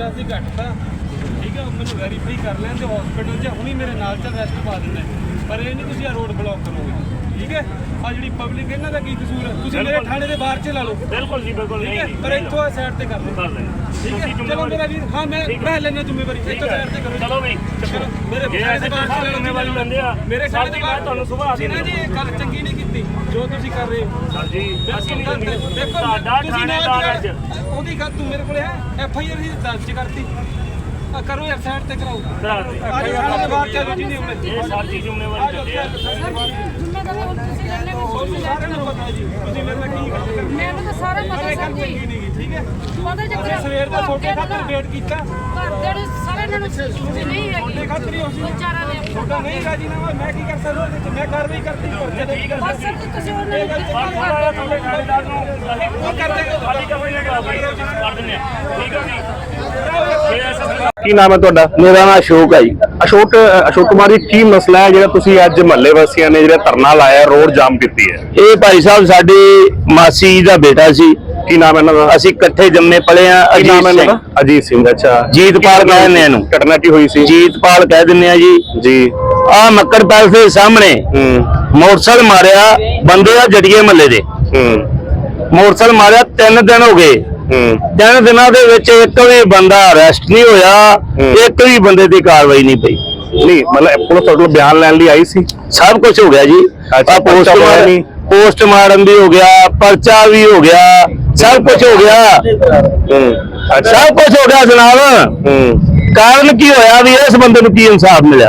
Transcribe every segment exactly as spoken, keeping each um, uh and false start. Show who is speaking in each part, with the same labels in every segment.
Speaker 1: दस की घट था ठीक है मैं वैरीफाई कर लें तो हॉस्पिटल च हुणी मेरे नाल चल रेस्ट पा देना पर ये नहीं तुम रोड ब्लॉक करोगे ठीक है आ जी पब्लिक इन्हों का की कसूर है तुम मेरे थाने के बाहर च ला लो बिल्कुल जी बिल्कुल ठीक है पर इतों साइड से कर लो ठीक है चलो मेरा वीर हाँ मैं मैं लेना जिम्मेवारी इतों साइड से करो चलो भाई चलो मेरे थाने के बाहर जिम्मेवारी लेंदे आ मेरे थाने के बाहर ਤੁਹਾਨੂੰ ਸੁਭਾ ਜੀ ਜੀ ਗੱਲ ਚੰਗੀ ਨਹੀਂ ਕੀਤੀ ਜੋ ਤੁਸੀਂ ਕਰ ਰਹੇ ਹੋ ਸਰ ਜੀ ਅਸੀਂ ਨਹੀਂ ਦੇਖੋ ਤੁਹਾਡਾ ਥਾਣੇਦਾਰ ਅੱਜ ਉਹਦੀ ਗੱਲ ਤੂੰ ਮੇਰੇ ਕੋਲ ਹੈ ਐਫ ਆਈ ਆਰ ਦੀ ਦਰਜ ਕਰਤੀ करो यार साइड ते कराओ करा दे आज थाने के बाहर चलो जी नहीं ये सर जी जिम्मेवारी करते हैं जिम्मेदारी और ਤੁਸੀਂ ਲੈਣੇ ਕੋਈ ਸਾਰਾ ਨੂੰ ਪਤਾ ਜੀ ਤੁਸੀਂ ਮੇਰੇ ਨਾਲ ਕੀ ਗੱਲ ਕਰਦੇ ਮੈਨੂੰ ਤਾਂ ਸਾਰਾ ਪਤਾ ਸਰ ਜੀ ਠੀਕ ਹੈ ਉਹਦੇ ਚੱਕਰ ਸਵੇਰ ਦਾ ਛੋਟੇ ਖਾਤਰ ਵੇਟ ਕੀਤਾ ਘਰ ਦੇ ਸਾਰੇ ਨੂੰ ਤੁਸੀਂ ਨਹੀਂ ਹੈਗੀ ਛੋਟੇ ਖਾਤਰ ਹੀ ਹੋ ਸੀ ਵਿਚਾਰਾ ਨੇ ਛੋਟਾ ਨਹੀਂ ਰਾਜੀ ਨਾ ਮੈਂ ਕੀ ਕਰ ਸਕਦਾ ਉਹਦੇ ਤੇ ਮੈਂ ਕਾਰਵਾਈ ਕਰਤੀ ਪਰਚੇ ਠੀਕ ਹੈ ਬਸ ਸਰ ਤੁਸੀਂ ਉਹਨਾਂ ਨੂੰ ਤੁਹਾਡੇ ਥਾਣੇਦਾਰ ਨੂੰ ਉਹ ਕਰ ਦੇਗਾ ਸਾਡੀ ਕੰਪਨੀ ਕਰ ਦਿੰਦੇ ਆ ਠੀਕ ਹੈ ਜੀ
Speaker 2: ਕੀ ਨਾਮ ਹੈ ਤੁਹਾਡਾ?
Speaker 3: ਮੇਰਾ ਨਾਮ ਅਸ਼ੋਕ ਹੈ ਜੀ।
Speaker 2: ਅਸ਼ੋਕ ਅਸ਼ੋਕ ਕੁਮਾਰ ਜੀ ਕੀ ਮਸਲਾ ਹੈ ਜਿਹੜਾ ਤੁਸੀਂ ਅੱਜ ਮਹੱਲੇ ਵਾਸੀਆਂ ਨੇ ਜਿਹੜਾ ਧਰਨਾ ਲਾਇਆ ਰੋਡ ਜਾਮ ਕੀਤੀ ਹੈ?
Speaker 3: ਇਹ ਭਾਈ ਸਾਹਿਬ ਸਾਡੀ ਮਾਸੀ ਜੀ ਦਾ ਬੇਟਾ ਸੀ।
Speaker 2: ਕੀ ਨਾਮ ਹੈ ਇਹਨਾਂ ਦਾ?
Speaker 3: ਅਸੀਂ ਇਕੱਠੇ ਜੰਮੇ ਪਲੇ ਆ।
Speaker 2: ਕੀ ਨਾਮ ਹੈ ਇਹਨਾਂ ਦਾ? ਅਜੀਤ ਸਿੰਘ। ਅੱਛਾ
Speaker 3: ਜੀਤਪਾਲ ਕਹਿੰਦੇ ਆ ਇਹਨੂੰ।
Speaker 2: ਘਟਨਾ ਕੀ ਹੋਈ ਸੀ?
Speaker 3: ਜੀਤਪਾਲ ਕਹਿ ਦਿੰਦੇ ਆ ਜੀ।
Speaker 2: ਜੀ
Speaker 3: ਆ ਮੱਕੜ ਪੈਲਸ ਦੇ ਸਾਹਮਣੇ
Speaker 2: ਹੂੰ
Speaker 3: ਮੋਟਰਸਾਈਕਲ ਮਾਰਿਆ ਬੰਦੇ ਆ ਜੜੀਏ ਮਹੱਲੇ ਦੇ।
Speaker 2: ਹੂੰ
Speaker 3: ਮੋਟਰਸਾਈਕਲ ਮਾਰਿਆ ਤਿੰਨ ਦਿਨ ਹੋ ਗਏ।
Speaker 2: ਹੂੰ
Speaker 3: ਤਿੰਨ ਦਿਨਾਂ ਦੇ ਵਿੱਚ ਇੱਕ ਵੀ ਬੰਦਾ ਅਰੈਸਟ ਨਹੀਂ ਹੋਇਆ, ਇੱਕ ਵੀ ਬੰਦੇ ਦੀ ਕਾਰਵਾਈ ਨਹੀਂ ਪਈ।
Speaker 2: ਨਹੀਂ ਮਤਲਬ ਪੁਲਿਸ ਤੁਹਾਡੇ ਕੋਲ ਬਿਆਨ ਲੈਣ ਲਈ ਆਈ ਸੀ?
Speaker 3: ਸਭ ਕੁਝ ਹੋ ਗਿਆ ਜੀ।
Speaker 2: ਅੱਛਾ
Speaker 3: ਪੋਸਟਮਾਰਟਮ ਪੋਸਟਮਾਰਟਮ ਵੀ ਹੋ ਗਿਆ, ਪਰਚਾ ਵੀ ਹੋ ਗਿਆ, ਸਭ ਕੁਝ ਹੋ ਗਿਆ।
Speaker 2: ਹੂੰ ਅੱਛਾ
Speaker 3: ਸਭ ਕੁਝ ਹੋ ਗਿਆ ਜਨਾਬ।
Speaker 2: ਹੂੰ
Speaker 3: ਕਾਰਨ ਕੀ ਹੋਇਆ ਵੀ ਇਸ ਬੰਦੇ ਨੂੰ ਕੀ ਇਨਸਾਫ ਮਿਲਿਆ?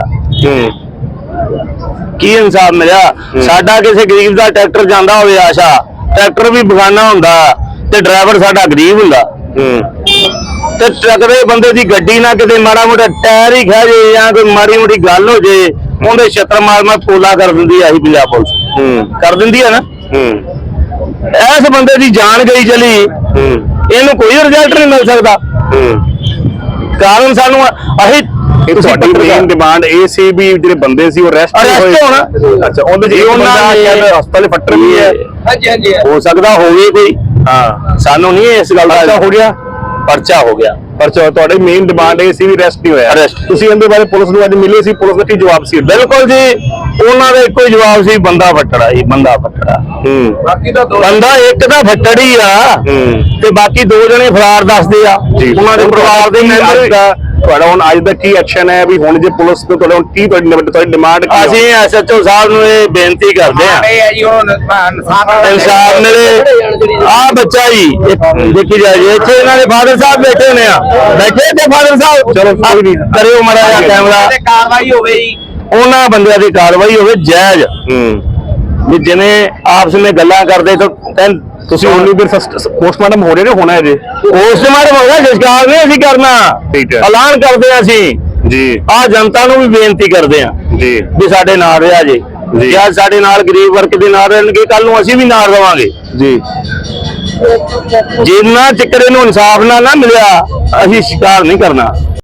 Speaker 2: ਹੂੰ
Speaker 3: ਕੀ ਇਨਸਾਫ ਮਿਲਿਆ? ਸਾਡਾ ਕਿਸੇ ਗਰੀਬ ਦਾ ਟਰੈਕਟਰ ਜਾਂਦਾ ਹੋਵੇ ਆਸ਼ਾ, ਟਰੈਕਟਰ ਵੀ ਬਗਾਨਾ ਹੁੰਦਾ ਤੇ ਡਰਾਈਵਰ ਸਾਡਾ ਗਰੀਬ ਹੁੰਦਾ।
Speaker 2: ਹੂੰ
Speaker 3: ਤੇ ਟਰੱਕ ਦੇ ਬੰਦੇ ਦੀ ਗੱਡੀ ਨਾ ਕਿਤੇ ਮਾੜਾ ਮੋਟਾ ਟਾਇਰ ਹੀ ਖਾ ਜੇ ਜਾਂ ਕੋਈ ਮਾੜੀ ਮੋਟੀ ਗੱਲ ਹੋ ਜੇ ਉਹਦੇ ਛੱਤਰ ਮਾਰ ਮਾਰ ਪੋਲਾ ਕਰ ਦਿੰਦੀ ਆਹੀ ਪੰਜਾਬ ਪੁਲਿਸ।
Speaker 2: ਹੂੰ
Speaker 3: ਕਰ ਦਿੰਦੀ ਹੈ ਨਾ।
Speaker 2: ਹੂੰ
Speaker 3: ਇਸ ਬੰਦੇ ਦੀ ਜਾਨ ਗਈ ਚਲੀ,
Speaker 2: ਹੂੰ
Speaker 3: ਇਹਨੂੰ ਕੋਈ ਰਿਜ਼ਲਟ ਨਹੀਂ ਮਿਲ ਸਕਦਾ।
Speaker 2: ਹੂੰ
Speaker 3: ਕਾਰਨ ਸਾਨੂੰ ਅਸੀਂ
Speaker 2: ਇਹ ਤੁਹਾਡੀ ਮੇਨ ਡਿਮਾਂਡ ਇਹ ਸੀ ਵੀ ਜਿਹੜੇ ਬੰਦੇ ਸੀ ਉਹ ਅਰੈਸਟ
Speaker 3: ਅਰੈਸਟ ਹੋਣਾ।
Speaker 2: ਅੱਛਾ ਉਹਦੇ ਜੀ ਉਹਨਾਂ ਨੇ ਹਸਪਤਾਲ ਫੱਟਰ ਵੀ ਹੈ।
Speaker 3: ਹਾਂਜੀ ਹਾਂਜੀ ਹੋ ਸਕਦਾ ਹੋਵੇ ਕੋਈ।
Speaker 2: ਹਾਂ
Speaker 3: ਸਾਨੂੰ ਨਹੀਂ ਇਸ ਗੱਲ ਦਾ
Speaker 2: ਪਰਚਾ ਹੋ ਗਿਆ।
Speaker 3: ਪਰਚਾ ਹੋ ਗਿਆ।
Speaker 2: ਪਰਚਾ ਤੁਹਾਡੀ ਮੇਨ ਡਿਮਾਂਡ ਇਹ ਸੀ ਵੀ ਅਰੈਸਟ ਨਹੀਂ ਹੋਇਆ।
Speaker 3: Arrest।
Speaker 2: ਤੁਸੀਂ ਇਹਦੇ ਬਾਰੇ ਪੁਲਿਸ ਨੂੰ ਅੱਜ ਮਿਲੇ ਸੀ, ਪੁਲਿਸ ਦਾ ਕੀ ਜਵਾਬ ਸੀ?
Speaker 3: ਬਿਲਕੁਲ ਜੀ ਉਹਨਾਂ ਦਾ ਇੱਕੋ ਹੀ ਜਵਾਬ ਸੀ ਬੰਦਾ ਫੱਟੜਾ ਜੀ, ਬੰਦਾ ਫੱਟੜਾ।
Speaker 2: ਹੂੰ
Speaker 3: ਬਾਕੀ ਦਾ ਬੰਦਾ ਇੱਕ ਤਾਂ ਫੱਟੜ ਹੀ ਆ
Speaker 2: ਹੂੰ
Speaker 3: ਤੇ ਬਾਕੀ ਦੋ ਜਣੇ ਫਰਾਰ ਦੱਸਦੇ ਆ ਉਹਨਾਂ ਦੇ ਪਰਿਵਾਰ ਦੇ ਮੈਂਬਰ।
Speaker 2: ਤੁਹਾਡਾ ਹੁਣ ਅੱਜ ਦਾ ਕੀ ਐਕਸ਼ਨ ਹੈ ਵੀ ਹੁਣ ਜੇ ਪੁਲਿਸ ਨੂੰ ਤੁਹਾਡਾ ਹੁਣ ਕੀ ਤੁਹਾਡੀ ਡਿਮਾਂਡ ਕੀ?
Speaker 3: ਅਸੀਂ ਐਸ ਐਚ ਓ ਸਾਹਿਬ ਨੂੰ ਇਹ ਬੇਨਤੀ ਕਰਦੇ ਆ ਇਨਸਾਫ ਮਿਲੇ। ਆ ਬੱਚਾ ਜੀ ਦੇਖੀ ਜਾਏ ਇੱਥੇ ਇਹਨਾਂ ਦੇ ਫਾਦਰ ਸਾਹਿਬ ਬੈਠੇ ਨੇ ਆ ਬੈਠੇ ਤੇ ਫਾਦਰ ਸਾਹਿਬ ਚਲੋ ਕੋਈ ਨਹੀਂ ਕਰਿਓ ਮਾੜਾ ਜਿਹਾ ਕੈਮਰਾ
Speaker 4: ਕਾਰਵਾਈ ਹੋਵੇ ਜੀ,
Speaker 3: ਉਹਨਾਂ ਬੰਦਿਆਂ ਦੀ ਕਾਰਵਾਈ ਹੋਵੇ ਜਾਇਜ਼।
Speaker 2: ਹੂੰ
Speaker 3: ਵੀ ਜਿਵੇਂ ਆਪਸ ਵਿੱਚ ਗੱਲਾਂ ਕਰਦੇ ਤਾਂ
Speaker 2: ਤੁਸੀਂ ਹੁਣ ਵੀ ਪੋਸਟਮਾਰਟਮ ਹੋ ਰਹੇ ਨੇ ਹੋਣਾ ਹੈ ਜੀ?
Speaker 3: ਪੋਸਟਮਾਰਟਮ ਹੋਗਾ ਸੰਸਕਾਰ ਨਹੀਂ ਅਸੀਂ ਕਰਨਾ।
Speaker 2: ਠੀਕ ਹੈ
Speaker 3: ਐਲਾਨ ਕਰਦੇ ਆ ਅਸੀਂ
Speaker 2: ਜੀ।
Speaker 3: ਆ ਜਨਤਾ ਨੂੰ ਵੀ ਬੇਨਤੀ ਕਰਦੇ ਆ
Speaker 2: ਜੀ
Speaker 3: ਵੀ ਸਾਡੇ ਨਾਲ ਰਿਹਾ ਜੇ ਜੇ ਅੱਜ ਸਾਡੇ ਨਾਲ ਗਰੀਬ ਵਰਗ ਦੇ ਨਾਲ ਰਹਿਣਗੇ ਕੱਲ ਨੂੰ ਅਸੀਂ ਵੀ ਨਾਲ ਰਵਾਂਗੇ
Speaker 2: ਜੀ।
Speaker 3: ਜਿੰਨਾ ਚਿਰ ਇਹਨੂੰ ਇਨਸਾਫ ਨਾ ਨਾ ਮਿਲਿਆ ਅਸੀਂ ਸ਼ਿਕਾਰ ਨਹੀਂ ਕਰਨਾ।